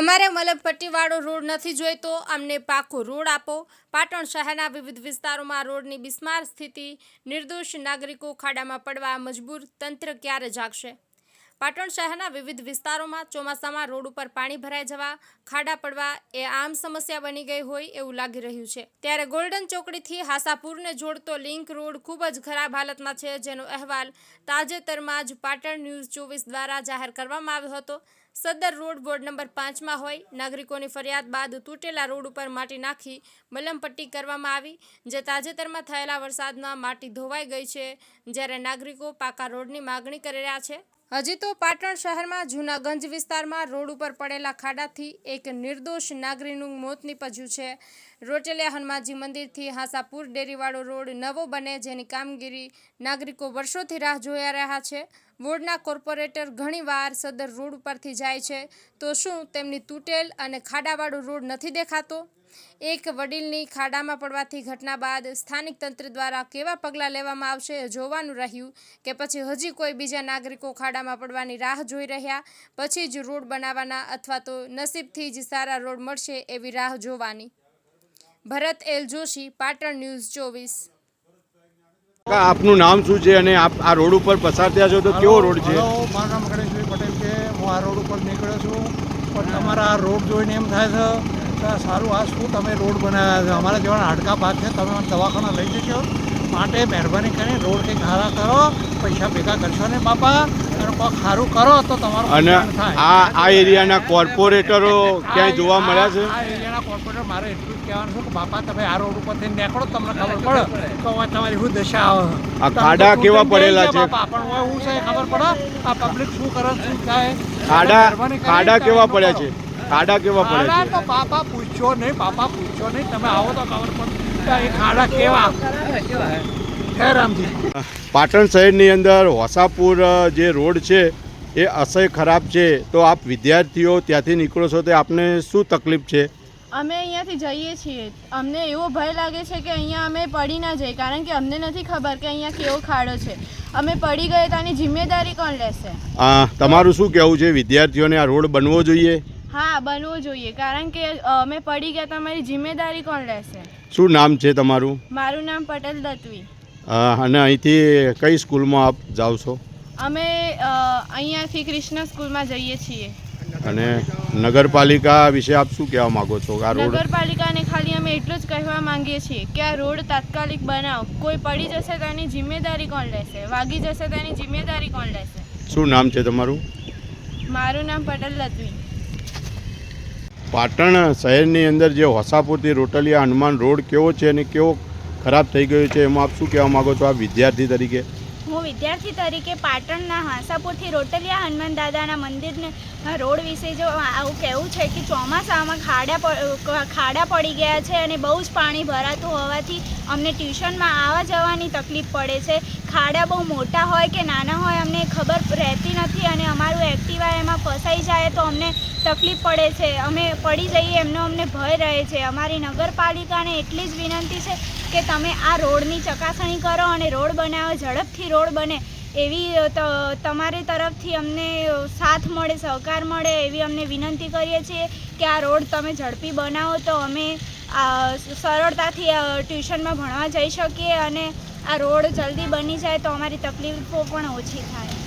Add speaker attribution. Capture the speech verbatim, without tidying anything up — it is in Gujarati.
Speaker 1: અમારે મલમપટ્ટીવાળો રોડ નથી જોઈતો, અમને પાકો રોડ આપો। પાટણ શહેરના વિવિધ વિસ્તારોમાં રોડની બિસ્માર સ્થિતિ, નિર્દોષ નાગરિકો ખાડામાં પડવા મજબૂર, તંત્ર ક્યારે જાગશે? પાટણ શહેરના વિવિધ વિસ્તારોમાં ચોમાસામાં રોડ ઉપર પાણી ભરાઈ જવા, ખાડા પડવા એ આમ સમસ્યા બની ગઈ હોય એવું લાગી રહ્યું છે। ત્યારે ગોલ્ડન ચોકડીથી હાસાપુરને જોડતો લિંક રોડ ખૂબ જ ખરાબ હાલતમાં છે, જેનો અહેવાલ તાજેતરમાં જ પાટણ ન્યૂઝ ચોવીસ દ્વારા જાહેર કરવામાં આવ્યો હતો। સદર રોડ વોર્ડ નંબર પાંચમાં હોય, નાગરિકોની ફરિયાદ બાદ તૂટેલા રોડ ઉપર માટી નાખી મલમપટ્ટી કરવામાં આવી, જે તાજેતરમાં થયેલા વરસાદમાં માટી ધોવાઈ ગઈ છે, જ્યારે નાગરિકો પાકા રોડની માગણી કરી રહ્યા છે। હજી તો પાટણ શહેરમાં જૂનાગંજ વિસ્તારમાં રોડ ઉપર પડેલા ખાડાથી એક નિર્દોષ નાગરિકનું મોત નીપજ્યું છે। રોટેલિયા હનુમાનજી મંદિરથી હાસાપુર ડેરીવાળો રોડ નવો બને, જેની કામગીરી નાગરિકો વર્ષોથી રાહ જોઈ રહ્યા છે। વોર્ડના કોર્પોરેટર ઘણીવાર સદર રોડ ઉપરથી જાય છે, તો શું તેમની તૂટેલ અને ખાડાવાળો રોડ નથી દેખાતો? એક વડીલની ખાડામાં પડવાથી ઘટના બાદ સ્થાનિક તંત્ર દ્વારા કેવા પગલાં લેવામાં આવશે જોવાનું રહ્યું, કે પછી હજી કોઈ બીજા નાગરિકો ખાડામાં પડવાની રાહ જોઈ રહ્યા પછી જ રોડ બનાવવાના, અથવા તો નસીબથી જ સારા રોડ મળશે એવી રાહ જોવાની। ભરત એલ જોશી, પાટણ ન્યૂઝ ચોવીસ।
Speaker 2: આપનું નામ શું છે અને આપ આ રોડ ઉપર પસાર થયા છો તો કેવો રોડ છે?
Speaker 3: મારું નામ ગણેશભાઈ પટેલ છે। હું આ રોડ ઉપર નીકળ્યો છું, પણ તમારા આ રોડ જોઈને એમ થાય છે સારું આ શું તમે રોડ બનાવ્યા છે? અમારા જેવા હાડકા ભાગ છે, તમે મને દવાખાના લઈ જશો, માટે મહેરબાની કરીને રોડ કંઈક સારા કરો, પૈસા ભેગા કરશો ને બાપા, અને કોઈ સારું કરો તો તમારું
Speaker 2: અને આ આ એરિયાના કોર્પોરેટરો ક્યાંય જોવા મળ્યા છે?
Speaker 3: આ એરિયાના કોર્પોરેટર મારે એટલું જ કહેવાનું છે કે બાપા તમે આ રોડ ઉપરથી નીકળો, તમને ખબર પડે કે તમારી શું દશા આવે।
Speaker 2: આ ખાડા કેવા પડેલા છે?
Speaker 3: પણ હું છે ખબર પડે આ પબ્લિક શું કરે શું થાય?
Speaker 2: ખાડા ખાડા કેવા પડ્યા છે? ખાડા કેવા પડ્યા છે?
Speaker 3: તો પાપા પૂછ્યો નહીં, પાપા પૂછ્યો નહીં, તમે આવો તો ખબર પડે એ ખાડા કેવા હે રામજી।
Speaker 2: પાટણ શહેરની અંદર હોસાપુર જે રોડ છે એ અસહ્ય ખરાબ છે, તો આપ વિદ્યાર્થીઓ ત્યાંથી નીકળો છો તો આપને શું તકલીફ છે?
Speaker 4: અમે અહીંયાથી જઈએ છીએ, અમને એવો ભય લાગે છે કે અહીંયા અમે પડી ના જઈએ, કારણ કે અમને નથી ખબર કે અહીંયા કેવો ખાડો છે। અમે પડી ગઈએ તો આની જિમ્મેદારી કોણ લેશે?
Speaker 2: તમારું શું કહેવું છે? વિદ્યાર્થીઓને આ રોડ બનવો જોઈએ?
Speaker 4: હા, બનવો જોઈએ, કારણ કે અમે પડી ગયા તો અમારી જિમ્મેદારી કોણ લેશે?
Speaker 2: શું નામ છે તમારું?
Speaker 4: મારું નામ પટેલ દત્વી।
Speaker 2: અને અહીંથી કઈ સ્કૂલમાં આપ જાઓ છો?
Speaker 4: અમે અહીંયાથી કૃષ્ણ સ્કૂલમાં જઈએ છીએ।
Speaker 2: અને નગરપાલિકા વિશે આપ શું કહેવા માંગો છો? આ રોડ
Speaker 4: નગરપાલિકાને ખાલી અમે એટલું જ કહેવા માંગીએ છીએ કે આ રોડ તાત્કાલિક બનાવો, કોઈ પડી જશે તો એની જિમ્મેદારી કોણ લેશે? વાગી જશે તો એની જિમ્મેદારી કોણ લેશે?
Speaker 2: શું નામ છે તમારું?
Speaker 4: મારું નામ પટેલ દત્વી।
Speaker 2: પાટણ શહેરની અંદર જે હોસાપુરથી રોટલિયા હનુમાન રોડ કેવો છે અને કેવો ખરાબ થઈ ગયો છે, એમાં આપ શું કહેવા માગો છો આ વિદ્યાર્થી તરીકે?
Speaker 5: હું વિદ્યાર્થી તરીકે પાટણના હાંસાપુરથી રોટલિયા હનુમાન દાદાના મંદિરને રોડ વિશે જો આવું કહેવું છે કે ચોમાસામાં ખાડા ખાડા પડી ગયા છે અને બહુ જ પાણી ભરાતું હોવાથી અમને ટ્યુશનમાં આવવા જવાની તકલીફ પડે છે। ખાડા બહુ મોટા હોય કે નાના હોય અમને ખબર રહેતી નથી, અને અમારું એક્ટિવા એમાં ફસાઈ જાય તો અમને તકલીફ પડે છે, અમે પડી જઈએ એમનો અમને ભય રહે છે। અમારી નગરપાલિકાને એટલી જ વિનંતી છે કે તમે આ રોડની ચકાસણી કરો અને રોડ બનાવો, ઝડપથી રોડ બને એવી તમારી તરફથી અમને સાથ મળે, સહકાર મળે એવી અમને વિનંતી કરીએ છીએ કે આ રોડ તમે ઝડપી બનાવો તો અમે સરળતાથી ટ્યુશનમાં ભણવા જઈ શકીએ, અને આ રોડ જલ્દી બની જાય તો અમારી તકલીફો પણ ઓછી થાય।